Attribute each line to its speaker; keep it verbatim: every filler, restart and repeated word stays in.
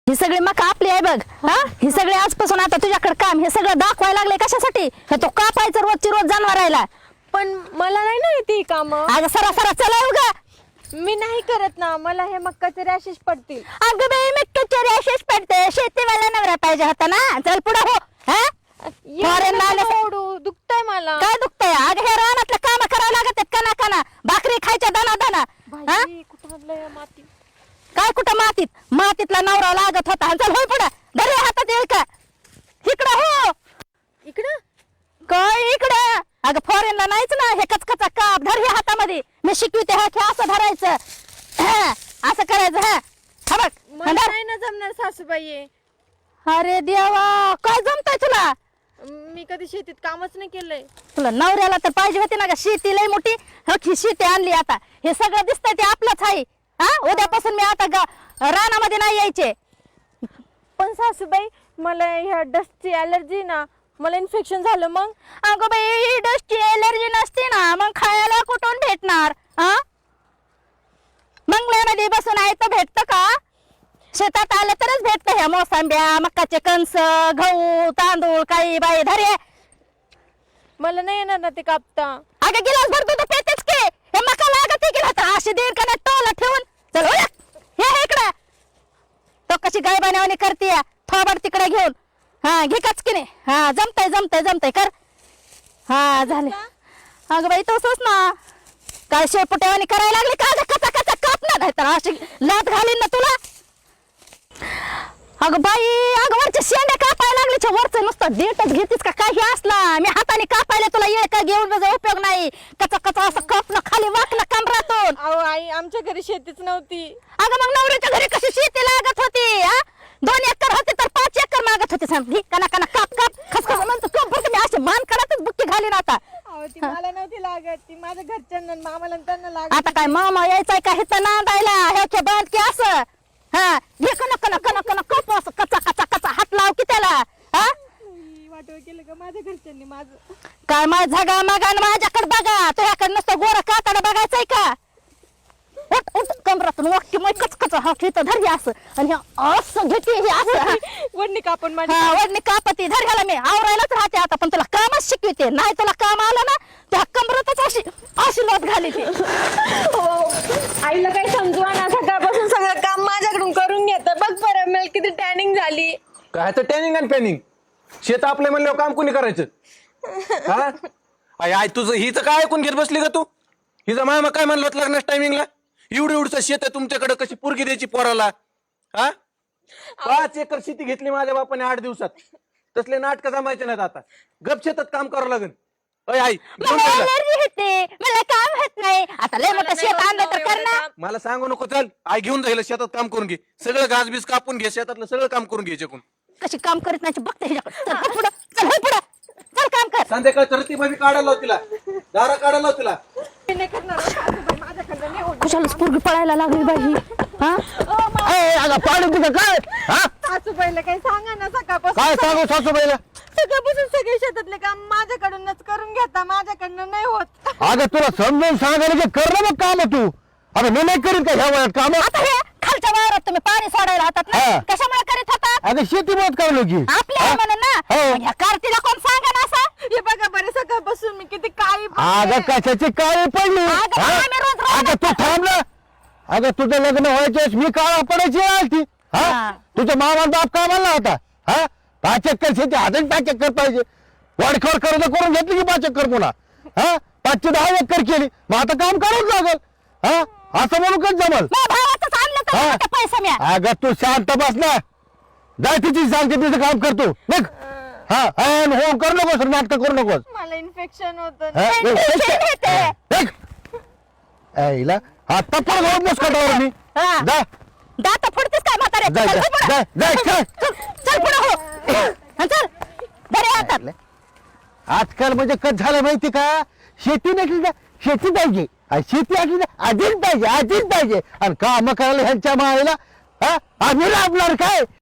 Speaker 1: ही सगळी मका आपली आहे बघ. हा ही सगळी आजपासून आता तुझ्याकडे काम हे सगळं दाखवायला लागले कशासाठी? हे तो कापायचं रोजची रोज जनावरायला.
Speaker 2: पण मला नाही ना येते काम.
Speaker 1: अगं सरा सरा चला उगा.
Speaker 2: मी नाही करत ना, मला हे मक्काचे रॅशेस पडतील.
Speaker 1: अगं बाई मक्काचे रॅशेस पडते. शेतीवाला नवरा पाहिजे होता ना. चल पुढे हो. हा
Speaker 2: एवढं नका ओरडू, दुखतंय मला.
Speaker 1: काय दुखतंय? अगं हे रानातलं काम करावं लागत कना कना. भाकरी खायच्या दाना दाना. हा
Speaker 2: बाई, कुठं आणलंय या माती?
Speaker 1: काय कुठं मातीत? मातीतला नवरा लागत होता. चल होय पुढे. धर रे हातात येईल का? इकडं हो.
Speaker 2: इकडं
Speaker 1: काय इकडं? अगं फॉरेनला नाहीच ना हे कचकचा काप. धर हे हातामध्ये. मी शिकविते हा हे असं धरायचं. हा, असं करायचं. हा हा बघ.
Speaker 2: मला
Speaker 1: धर.
Speaker 2: नाही ना जमणार सासूबाई.
Speaker 1: अरे देवा काय जमतंय तुला?
Speaker 2: मी कधी शेतीत कामच नाही केलंय.
Speaker 1: तुला नवऱ्याला तर पाहिजे होती ना ग शेती लय मोठी. हो की शेती आणली आता. हे सगळं दिसतंय ते आपलंच आहे. हा उद्यापासून मी आता ग- रानामध्ये नाही यायचे.
Speaker 2: पण सासूबाई मला ह्या डस्टची अलर्जी ना, मला इन्फेक्शन झालं मग.
Speaker 1: अगं बाई डस्टची एलर्जी नसते ना मग खायला कुठून भेटणार? हा मंगळ्यामध्ये बसून आहे तर भेटतं का? शेतात आलं तरच भेटतं. ह्या मोसंब्या मक्काचे कणस गहू तांदूळ काही बाई धरे.
Speaker 2: मला नाही येणार ना ते कापता.
Speaker 1: अगं गिलास भर दूध पेतेच की. हे मका लागत की ना अशी दीड का टोला ठेवून. चल हो हे हे इकडं. तो कशी गाय बनवणी करते थोबड तिकडे घेऊन. हा घे काच की नाही. हा जमतय जमतय जमतय कर. हा झाले. अगं बाई तसंच ना. काय शेपुट्यावानी करायला लागली का? अगं कचा कचा काप ना नाही तर अशी लात घालीन ना तुला. अगं बाई अगं वरच्या शेंड्या कापायला लागली. वरचं नुसतं देठच घेतीस का काही असला? मी हाताने कापायला तुला येळ का घेऊन माझा उपयोग नाही. कचा कचा असं कापणं खाली वाकलं कमरातून.
Speaker 2: अहो आई, आमच्या घरी शेतीच नव्हती.
Speaker 1: अगं मग नवऱ्याच्या घरी कशी शेती लागत होती? हा दोन एकर होते तर पाच एकर मागत होते. सांग कना कना काप काप खसखस म्हणतो कप बघ. मी अशी मान काढतच बुक्की घालीन आता.
Speaker 2: अहो ती मला नव्हती लागत, ती माझ्या घरच्यांना आणि मामाला आणि त्यांना लागत.
Speaker 1: आता काय मामा यायचाय का हिचं नांदायला? ह्याच्या बांध की असं. हा घे कना कना कना कना कप असं कचा कचा कचा हात लाव की त्याला. हा
Speaker 2: वाटव केलं का माझ्या घरच्यांनी माझं?
Speaker 1: काय माझ झगा मागा माझ्याकडे बघा. तुझ्याकडे नुसतं गोरा कातड बघायचंय का? उठ उठ कमरातून वाक्य मग कचकच हा घेतं धर हे असं आणि हे असं घेते हे असं. हा.
Speaker 2: वडणी कापून माझी.
Speaker 1: हा वडणी कापती धर ह्याला मी आवरायलाच राहते आता. पण तुला कामच शिकविते. नाही तुला काम आलं ना त्या कमरातच अशी अशी लोट घाली ती.
Speaker 2: आईला काही समजू ना, सकाळपासून सगळं काम माझ्याकडून करून घेत. बघ बरं मला किती टॅनिंग झाली.
Speaker 3: काय तर टॅनिंग आणि पॅनिंग. शेत आपले म्हणल्यावर काम कोणी करायचं? हा आई आई तुझं हिचं काय ऐकून घेत बसली का तू? हिचा मामा काय म्हणलं होतं लग्नाच्या टायमिंगला? एवढं एवढं शेत आहे तुमच्याकडे, कशी पोरगी द्यायची पोराला? हा पाच एकर शेती घेतली माझ्या बापाने आठ दिवसात. तसले नाटक जमायचे नाहीत आता. गप शेतात काम करावं लागेल. अय आई घेऊन
Speaker 1: मला
Speaker 3: जायला.
Speaker 1: एलर्जी होते. मला काम होत नाही. आता लय मोठं शेत आणलं तर कर ना.
Speaker 3: मला सांगू नको. चल आई घेऊन जाईल शेतात काम करून घे. सगळं घास बीस कापून घे. शेतातलं सगळं काम करून घे. चकून
Speaker 1: कशी काम करीत नाही बघते ह्याच्याकडे. चल हो पुढं. चल हो पुढं. चल काम कर.
Speaker 3: संध्याकाळ तरती भाभी काढायला लाव तिला. दारा काढायला लाव तिला.
Speaker 2: मी नाही करणार सासूबाई, माझ्याकडनं नाही होत.
Speaker 1: कुशालाच पोरगी पळायला लागली बाई ही. हा
Speaker 4: ए, अगं पाडू तुझं काय? हा
Speaker 2: सासूबाईला काही सांगा ना. सकाळपासून
Speaker 4: काय सांगू सासूबाईला?
Speaker 2: सकाळपासून सगळे शेतातले काम माझ्याकडूनच करून घेता. माझ्याकडनं नाही होत.
Speaker 4: अगं तुला समजून सांगायला की कर ना मग काम तू. अरे मी नाही करीत का ह्या वयात काम?
Speaker 1: आता हे खालच्या वावरात तुम्ही पाणी सोडायला हातात ना
Speaker 4: हा.
Speaker 1: कशामुळे करीत होतात?
Speaker 4: अगं शेती मत करलो की
Speaker 1: आपल्या आहे म्हणून ना.
Speaker 4: हो.
Speaker 1: पण ह्या कार्तीला कोण सांगा ना असं?
Speaker 2: हे बघा बरं, सकाळपासून मी किती काळी
Speaker 4: अगं कशाची काळी पडली?
Speaker 1: अगं,
Speaker 4: हा?
Speaker 1: आम्ही रोज राहणार
Speaker 4: अगं तू थांब ना. अगं तुझं लग्न व्हायच्यास मी काळा पडायची आलती.
Speaker 1: हा.
Speaker 4: हा तुझ्या मामा बाप कामाला होता. हा पाच एकर शेती हातात पाच एकर पाहिजे. वाडखोड कर्ज करून घेतली की पाच एकर पुन्हा. हा पाचशे दहा एकर केली. मग आता काम करावंच लागल. हा असं म्हणून कच जमल?
Speaker 1: माझ्या भावाचंच आणलं तर
Speaker 4: हा.
Speaker 1: मोठे पैसे मिळा.
Speaker 4: अगं तू शांत बस ना. जाय तिची सांगते तिचं काम करतो बघ. हा अन हो करू नकोस नाटक करू नकोस.
Speaker 2: मला इन्फेक्शन होत.
Speaker 4: हा, बघ,
Speaker 1: टेन्शन येते.
Speaker 4: बघ. ऐला आता पण जाऊन बस कटावर मी.
Speaker 1: हा.
Speaker 4: जा
Speaker 1: दात फोडतेस काय म्हातारे?
Speaker 4: जाय,
Speaker 1: चल
Speaker 4: जाय,
Speaker 1: हो पुढं.
Speaker 4: जाय, जाय,
Speaker 1: चल,
Speaker 4: चल.
Speaker 1: चल, चल पुढं हो. हा, चल बरे हातात.
Speaker 4: आजकाल म्हणजे कच झालं माहिती का? शेती नसली ना शेती पाहिजे आणि शेती असली ना आधीच पाहिजे आधीच पाहिजे आणि काम करायला ह्यांच्या मायला हा आम्ही लाभणार काय?